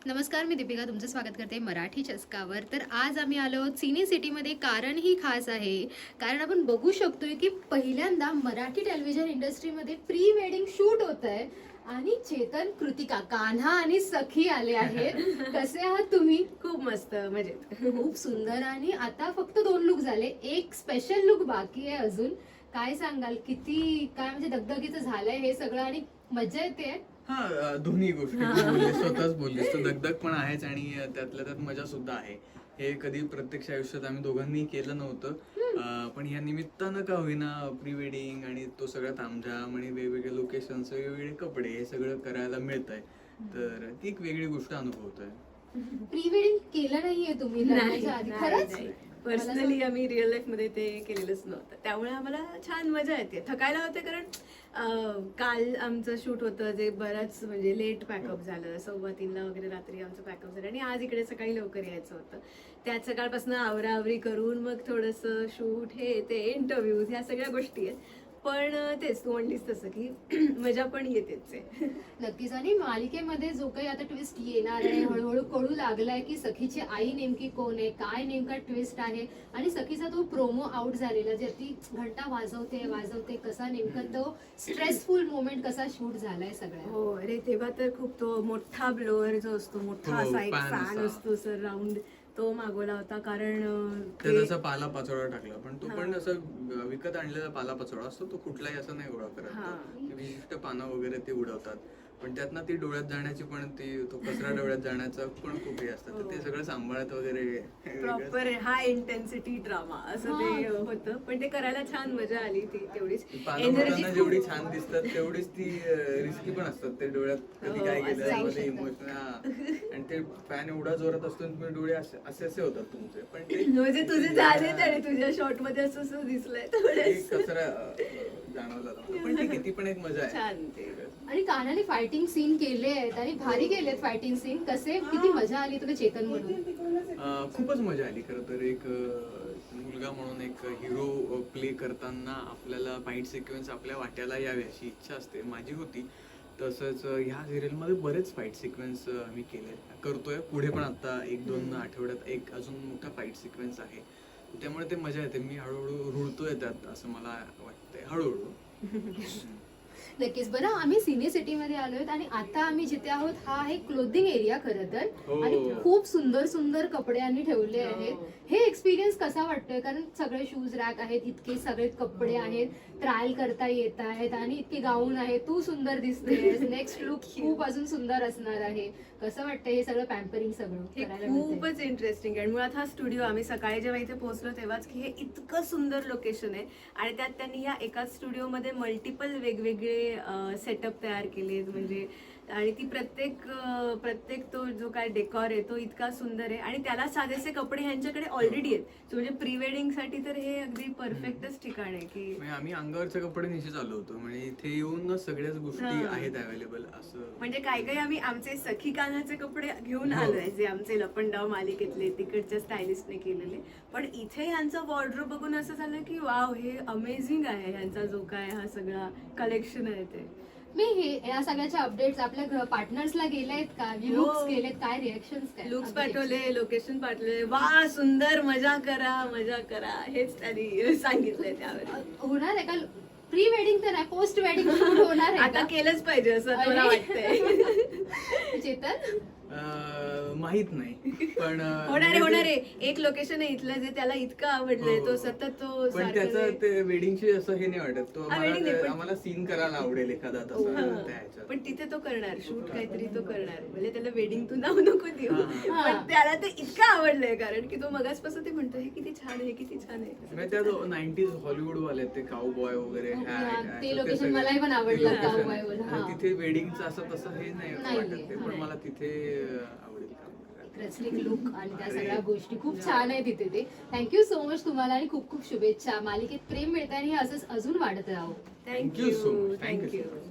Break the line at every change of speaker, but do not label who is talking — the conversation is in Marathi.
नमस्कार, मी दीपिका तुमचं स्वागत करते मराठी चस्कावर. तर आज आम्ही आलो आहोत सिने सिटीमध्ये. कारण ही खास आहे, कारण आपण बघू शकतोय की पहिल्यांदा मराठी टेलिव्हिजन इंडस्ट्रीमध्ये प्री वेडिंग शूट होत आहे आणि चेतन, कृतिका, कान्हा आणि सखी आले आहेत. कसे आहात तुम्ही?
खूप मस्त मजेत.
खूप सुंदर. आणि आता फक्त 2 लुक झाले, एक स्पेशल लुक बाकी आहे अजून. काय सांगाल, किती काय म्हणजे दगदगीचं झालंय हे सगळं आणि मजा येते?
हा, दोन्ही गोष्टी तू बोललीस, स्वतःच बोललीस. तो दगदग पण आहेच आणि त्यातल्या त्यात मजा सुद्धा आहे. हे कधी प्रत्यक्ष आयुष्यात आम्ही दोघांनी केलं नव्हतं, पण या निमित्तानं का होईना प्री वेडिंग आणि तो सगळा तामझाम आणि वेगवेगळे लोकेशन्स, वेगवेगळे कपडे, हे सगळं करायला मिळतंय. तर ती एक वेगळी गोष्ट अनुभवतोय.
प्री वेडिंग केलं नाहीये तुम्ही लग्नाच्या आधी? खरंच?
पर्सनली आम्ही रिअल लाईफ मध्ये ते केलेलंच नव्हतं, त्यामुळे आम्हाला छान मजा येते. थकायला होते कारण काल आमचं शूट होतं जे बराच म्हणजे लेट पॅकअप झालं, 2:15 वगैरे रात्री आमचं पॅकअप झालं आणि आज इकडे सकाळी लवकर यायचं होतं. त्यात सकाळपासून आवराआवरी करून मग थोडंसं शूट, हे ते इंटरव्ह्यूज, ह्या सगळ्या गोष्टी आहेत. पण तेच तू म्हणलीस तसं की मजा पण येतेच आहे.
नक्कीच. आणि मालिकेमध्ये जो काही आता ट्विस्ट येणार आहे, हळूहळू कळू लागलाय की सखीची आई नेमकी कोण आहे, काय नेमका ट्विस्ट आहे. आणि सखीचा तो प्रोमो आउट झालेला, जे ती घंटा वाजवते कसा नेमका तो स्ट्रेसफुल मोमेंट कसा शूट झालाय सगळ्या.
हो, अरे तेव्हा तर खूप तो मोठा ब्लोअर जो असतो, मोठा
हो,
असा एक
fan
फॅन
असा.
असतो सर राऊंड, तो मागवला होता. कारण
त्यात असा पाला पाचोळा टाकला, पण तो पण असं विकत आणलेला पाला पाचोळा असतो, तो कुठलाही असं नाही गोळा करत. ते विशिष्ट पानं वगैरे ते उडवतात, पण त्यातनं ती डोळ्यात जाण्याची पण तो कचरा डोळ्यात जाण्याचं पण खूप हे असतं. तर ते सगळं सांभाळत वगैरे
प्रॉपर हाय इंटेन्सिटी ड्रामा असं ते होतं. पण ते करायला छान मजा आली. ती तेवढीच एनर्जी
जेवढी छान दिसतात तेवढीच ती रिस्की पण असतात. ते डोळ्यात कधी काय गेलं, इमोशन, आणि ते फॅन एवढा जोरात असतो, तुम्ही डोळे असे असे होतात तुमचे. पण ते
म्हणजे तुझे झाले आणि तुझ्या शॉर्ट मध्ये असं दिसलंय
कचरा जाणवला, पण ती किती पण एक मजा आहे.
छान ते.
आणि कानाने फायटिंग सीन केले आहेत आणि भारी केलेत फायटिंग सीन. कसे, किती मजा आली तुला चेतन म्हणून?
खूपच मजा आली. खरं तर एक मुलगा म्हणून एक हिरो प्ले करताना आपल्याला फाईट सिक्वेन्स आपल्या वाट्याला यावी अशी इच्छा असते, माझी होती. तसंच ह्या सिरियलमध्ये बरेच फाईट सिक्वेन्स मी करतोय. पुढे पण आता 1-2 आठवड्यात एक अजून मोठा फाईट सिक्वेन्स आहे, त्यामुळे ते मजा येते. मी हळूहळू रुळतोय त्यात असं मला वाटतंय, हळूहळू.
नक्कीच. बरं, आम्ही सिने सिटी मध्ये आलोय आणि आता आम्ही जिथे आहोत हा आहे क्लोथिंग एरिया खरं तर. आणि खूप सुंदर सुंदर कपडे आम्ही ठेवले आहेत. हे एक्सपिरियन्स कसा वाटतोय? कारण सगळे शूज रॅक आहेत, इतके सगळे कपडे आहेत, ट्रायल करता येत आहेत आणि इतके गाऊन आहे. तू सुंदर दिसतेस, नेक्स्ट लुक खूप अजून सुंदर असणार आहे. कसं वाटतंय हे सगळं पॅम्परिंग सगळं करायला?
खूपच इंटरेस्टिंग आहे. मुळात हा स्टुडिओ आम्ही सकाळी जेव्हा इथे पोहोचलो तेव्हाच की हे इतकं सुंदर लोकेशन आहे आणि त्यात त्यांनी या एकाच स्टुडिओमध्ये मल्टिपल वेगवेगळे सेटअप तयार केलेत. म्हणजे आणि ती प्रत्येक तो जो काय डेकॉर आहे तो इतका सुंदर आहे आणि त्याला साधेसे कपडे ह्यांच्याकडे ऑलरेडी आहेत. म्हणजे प्री वेडिंग साठी तर हे अगदी परफेक्टच ठिकाण आहे. की
आम्ही अंगावरचे कपडे निश्चित आलो होतो, म्हणजे इथे येऊन सगळ्याच गोष्टी आहेत अवेलेबल. असं
म्हणजे काही आम्ही आमचे सखी कानाचे कपडे घेऊन आलोय, जे आमचे लपंडाव मालिकेतले तिकडच्या स्टायलिस्टने केलेले. पण इथे ह्यांचा वॉर्डरोब बघून असं झालं की वाव, हे अमेझिंग आहे. ह्यांचा जो काय हा सगळा कलेक्शन आहे ते.
मी हे या सगळ्याच्या अपडेट्स आपल्या पार्टनर्सला गेलेत का? लुक्स केलेत, काय रिएक्शन्स, काय
लुक्स पाठवले, लोकेशन पाठवले. वा सुंदर, मजा करा हेच त्यांनी सांगितलंय. त्यावेळेस
होणार आहे का प्री वेडिंग? तर नाही, पोस्ट वेडिंग शूट होणार आहे
आता केलंच पाहिजे असं मला वाटतंय.
चेतन
माहित नाही, पण
होणार आहे. एक लोकेशन आहे इथलं जे त्याला इतकं आवडलंय, तो सतत तो
पण त्याचं ते वेडिंगची असं हे नाही वाटत. तो आम्हाला सीन करायला आवडेल एखादा तसा.
पण तिथे तो करणार शूट, काहीतरी तो करणार. म्हणजे त्याला वेडिंग तू नाव नको देऊ, पण त्याला ते इतकं आवडलंय कारण की तो मगाचपासून ते म्हणतो हे किती छान आहे, किती छान आहे.
त्या 90s हॉलिवूड वाले ते काउबॉय वगैरे
ते लोकेशन मलाही पण आवडलं. काउबॉय
तिथे वेडिंगचं असं तसं हे नाही वाटत ते, पण मला तिथे आवडेल.
रेस्लिंग लुक आणि त्या सगळ्या गोष्टी खूप छान आहे तिथे. ते थँक्यू सो मच तुम्हाला आणि खूप खूप शुभेच्छा. मालिकेत प्रेम मिळतं आणि हे असंच अजून वाढत राहू.
Thank you so much.
थँक्यू.